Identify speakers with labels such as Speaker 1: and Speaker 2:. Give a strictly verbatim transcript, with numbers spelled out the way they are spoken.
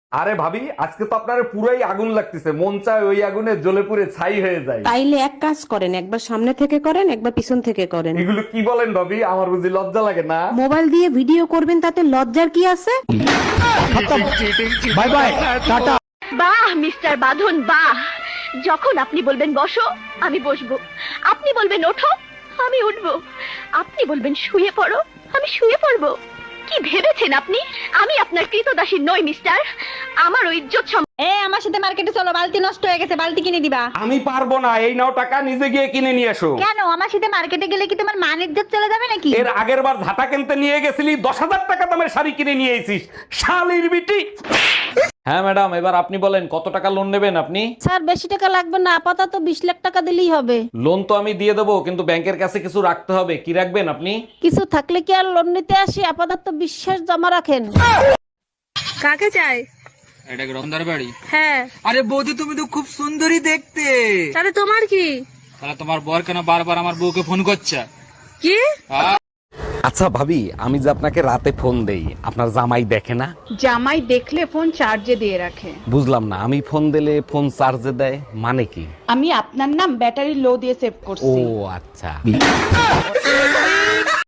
Speaker 1: আরে ভাবি, আজকে তো আপনার পুরাই আগুন লাগতেছে, মন চায় ওই আগুনে জ্বলে পুড়ে ছাই হয়ে যায়।
Speaker 2: তাইলে এক কাজ করেন, একবার সামনে থেকে করেন, একবার পিছন থেকে করেন।
Speaker 1: এগুলো কি বলেন ভাবি? আমার বুঝি লজ্জা লাগে না?
Speaker 2: মোবাইল দিয়ে ভিডিও করবেন, তাতে লজ্জার কি আছে?
Speaker 1: Bye bye, tata.
Speaker 3: বাহ মিস্টার বাঁধন বাহ, যখন আপনি বলবেন বসো আমি বসবো, আপনি বলবেন ওঠো আমি উঠবো, আপনি বলবেন শুয়ে পড়ো আমি শুয়ে পড়বো। কি ভেবেছেন আপনি আমি আপনার কৃতদাসী নই মিস্টার? আমার ওই ইজ্জত সম-
Speaker 4: এ আমার সাথে মার্কেটে চলো, বালতি নষ্ট হয়ে গেছে, বালতি কিনে দিবা।
Speaker 1: আমি পারবো না, এই নাও টাকা, নিজে গিয়ে কিনে নিয়ে এসো।
Speaker 4: কেন? আমার সাথে মার্কেটে গেলে কি তোমার মান ইজ্জত চলে যাবে নাকি?
Speaker 1: এর আগের বার ঝাঁটা কিনতে নিয়ে গেছিলি, দশ হাজার টাকা দামের শাড়ি কিনে নিয়ে এসিস, শালির বিটি। হ্যাঁ ম্যাডাম, এবার আপনি বলেন কত টাকা লোন নেবেন আপনি?
Speaker 2: স্যার বেশি টাকা লাগবে না, আপাতত বিশ লাখ টাকা দিলেই হবে।
Speaker 1: লোন তো আমি দিয়ে দেবো, কিন্তু ব্যাংকের কাছে কিছু রাখতে হবে। কি রাখবেন আপনি?
Speaker 2: কিছু থাকলে কি আর লোন নিতে আসি? আপাতত বিশ্বাস জমা রাখেন।
Speaker 5: কাকে চাই?
Speaker 6: এটা কি রতনদার বাড়ি?
Speaker 5: হ্যাঁ।
Speaker 6: আরে বৌদি, তুমি তো খুব সুন্দরী দেখতে।
Speaker 5: তাহলে তোমার কি?
Speaker 6: তাহলে তোমার বর কেন বারবার আমার বউকে ফোন করছে?
Speaker 5: কি?
Speaker 1: আচ্ছা ভাবি, আমি যে আপনাকে রাতে ফোন দেই, আপনার জামাই দেখে না?
Speaker 7: জামাই দেখলে ফোন চার্জে দিয়ে রাখে।
Speaker 1: বুঝলাম না, আমি ফোন দিলে ফোন চার্জে দেয় মানে কি?
Speaker 7: আমি আপনার নাম ব্যাটারি লো দিয়ে সেভ করছি।
Speaker 1: ও আচ্ছা।